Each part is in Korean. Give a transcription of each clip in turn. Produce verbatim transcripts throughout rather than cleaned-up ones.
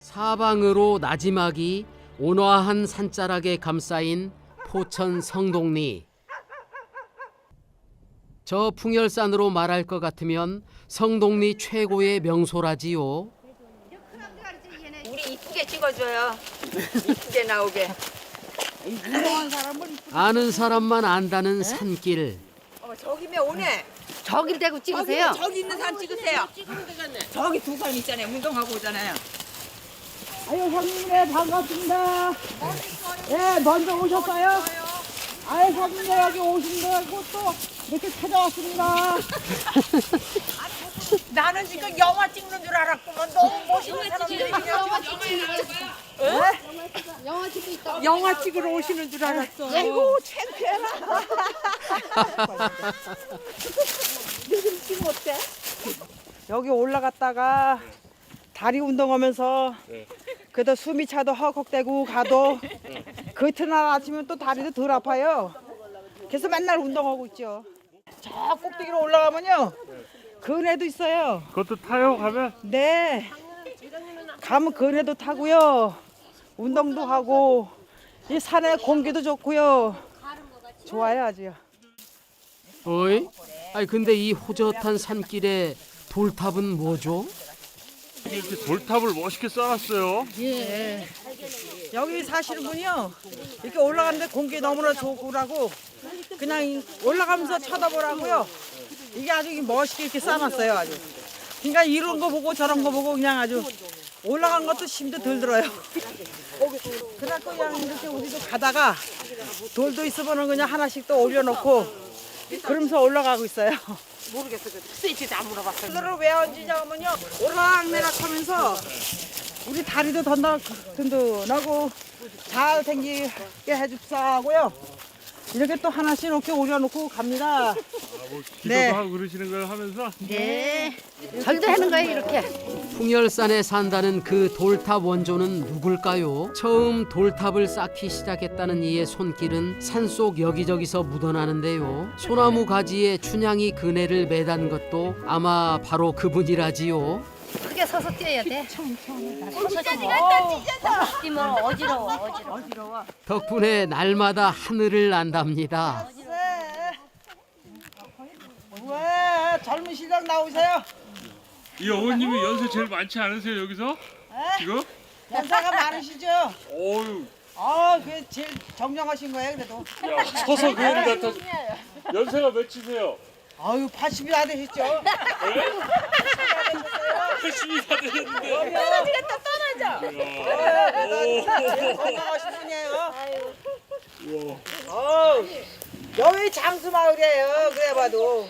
사방으로 나지막이 온화한 산자락에 감싸인 포천 성동리. 저 풍열산으로 말할 것 같으면 성동리 최고의 명소라지요. 우리 이쁘게 찍어줘요. 이쁘게 나오게. 아는 사람만 안다는 산길. 어, 저기면 오네. 저길 대고 찍으세요. 저기, 저기 있는 산 찍으세요. 저기 두 산 있잖아요. 운동하고 오잖아요. 아유 형님네 반갑습니다. 예 먼저 오셨어요? 아유 형님네 여기 오신다고 또 이렇게 찾아왔습니다. 나는 지금 영화 찍는 줄 알았구만. 너무 멋있는 사람들이 영화 찍고 있다. 영화 찍으러 오시는 줄 알았어. 아이고 창피해라. 요즘 지금 어때? 여기 올라갔다가 다리 운동하면서 그래도 숨이 차도 헉헉대고 가도 그 이튿날 아침에 또 다리도 덜 아파요. 그래서 맨날 운동하고 있죠. 저 꼭대기로 올라가면요 그네도 있어요. 그것도 타요 가면? 네. 가면 그네도 타고요. 운동도 하고 이 산에 공기도 좋고요. 좋아요 아주요. 어이? 아니 근데 이 호젓한 산길에 돌탑은 뭐죠? 이렇게 돌탑을 멋있게 쌓았어요. 예. 여기 사시는 분이요. 이렇게 올라가는데 공기 너무나 좋고라고 그냥 올라가면서 쳐다보라고요. 이게 아주 멋있게 이렇게 쌓아놨어요 아주. 그러니까 이런 거 보고 저런 거 보고 그냥 아주 올라간 것도 힘도 덜 들어요. 그래갖고 그냥 이렇게 우리도 가다가 돌도 있으면 그냥 하나씩 또 올려놓고 그러면서 올라가고 있어요. 모르겠어. 스위치도 안 물어봤어요. 그거를 왜 얹으냐면요 오락내락 하면서 우리 다리도 던다, 든든하고 잘 생기게 해줍사고요. 이렇게 또 하나씩 이렇게 올려놓고 갑니다. 아, 뭐 기도도 네. 하고 그러시는 걸 하면서 네. 절도 하는 거예요 이렇게. 풍열산에 산다는 그 돌탑 원조는 누굴까요? 처음 돌탑을 쌓기 시작했다는 이의 손길은 산속 여기저기서 묻어나는데요. 소나무 가지에 춘향이 그네를 매단 것도 아마 바로 그분이라지요. 크게 서서 뛰어야 돼. 서서 찢어져. 뛰면 어지러워 어지러워. 덕분에 날마다 하늘을 난답니다. 왜 젊은 시장 나오세요? 이 어머님이 연세 제일 많지 않으세요 여기서? 지금? 연세가 많으시죠? 어유, 아, 그게 제일 정정하신 거예요, 그래도. 야 서서 그런 같아. 연세가 몇이세요? 아유, 팔십이 다 되셨죠? 팔십이 다 되셨는데. 에너지가 또 떠나죠. 제일 건강하신 분이에요. 어, 여기 장수 마을이에요, 그래 봐도.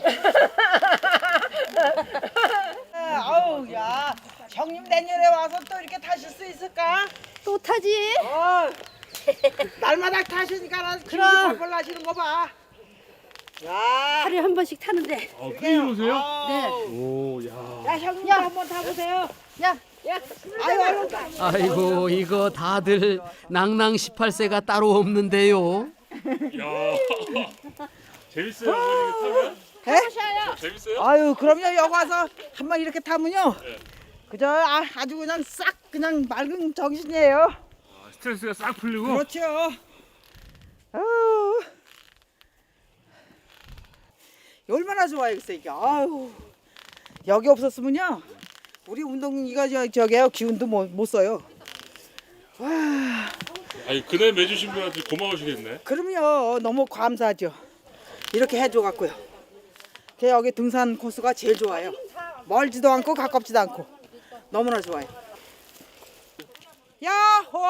아우, 야, 형님 내년에 와서 또 이렇게 타실 수 있을까? 또 타지? 어, 날마다 타시니까 기분이 벌벌 나시는 거 봐. 야, 하루에 한 번씩 타는데. 아 매일 오세요? 네. 오, 야. 야, 형님 한번 타보세요. 야. 아유, 아유. 아이고 이거 다들 낭낭 십팔 세가 따로 없는데요. 야. 재밌어요 어머니 타면? 해? 재밌어요? 아유, 그럼요. 여기 와서 한번 이렇게 타면요. 그저 아, 아주 그냥 싹 그냥 맑은 정신이에요. 아, 스트레스가 싹 풀리고. 그렇죠. 아유. 얼마나 좋아요, 글쎄 이게. 아유. 여기 없었으면요. 우리 운동 이거 저 저게요. 기운도 못, 못 써요. 와. 아니 그날 매주신 분한테 고마우시겠네. 그럼요. 너무 감사하죠. 이렇게 해줘 갖고요. 그 여기 등산 코스가 제일 좋아요. 멀지도 않고 가깝지도 않고 너무나 좋아요. 야호!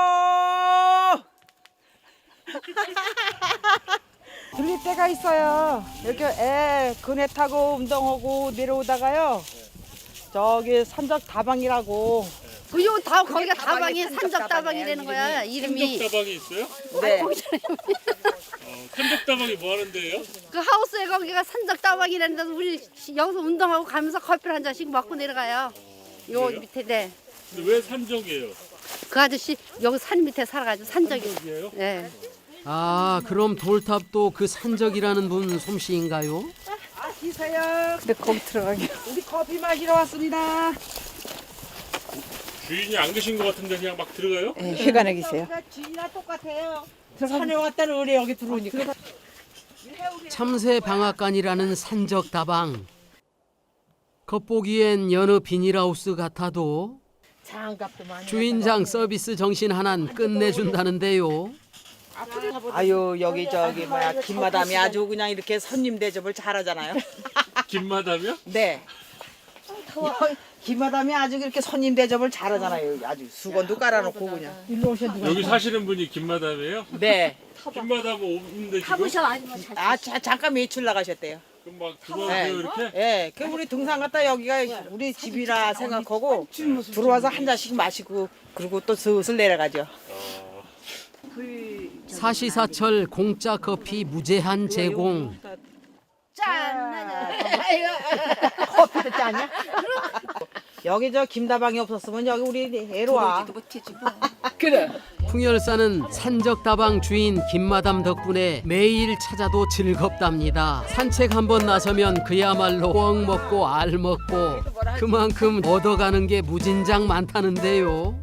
들릴 때가 있어요. 이렇게 애 그네 타고 운동하고 내려오다가요. 저기 산적 다방이라고. 그요 다 거기가 다방이 다방이 산적 산적 다방이 다방이에요, 되는 거야 이름이. 산적다방이 있어요? 네. 어, 산적다방이 뭐 하는데요? 그 하우스에 거기가 산적 다방이라는 데서 우리 여기서 운동하고 가면서 커피를 한 잔씩 먹고 내려가요. 요 그래요? 밑에 네. 근데 왜 산적이에요? 그 아저씨 여기 산 밑에 살아가지고 산적이. 산적이에요? 네. 아 그럼 돌탑도 그 산적이라는 분 솜씨인가요? 아, 드세요. 근데 거기 들어가기. 우리 커피 마시러 왔습니다. 주인이 안 계신 것 같은데 그냥 막 들어가요? 네, 휴관에 계세요. 주인이랑 똑같아요. 산에 왔다는 의뢰 여기 들어오니까. 참새 방앗간이라는 산적 다방. 겉보기엔 여느 비닐하우스 같아도 장갑도 많이. 주인장 서비스 정신 하나는 끝내준다는데요. 아유 여기 저기 뭐야 김마담이 아주 그냥 이렇게 손님 대접을 잘하잖아요. 김마담이요? 네. 김마담이 아주 이렇게 손님 대접을 잘하잖아요. 아주 수건도 깔아놓고 그냥. 여기 사시는 분이 김마담이에요? 네. 김마담 없는데 지금? 아 자, 잠깐 매출 나가셨대요. 그럼 막 들어오세요 이렇게? 예, 그 우리 등산 갔다 여기가 우리 집이라 생각하고 들어와서 한 잔씩 마시고 그리고 또 슬슬 내려가죠. 사시사철 공짜 커피 무제한 제공. 커피도 짜냐? 여기 저 김다방이 없었으면 여기 우리 애로 와. 풍열사는 산적다방 주인 김마담 덕분에 매일 찾아도 즐겁답니다. 산책 한번 나서면 그야말로 꿩 먹고 알 먹고 그만큼 얻어가는 게 무진장 많다는데요.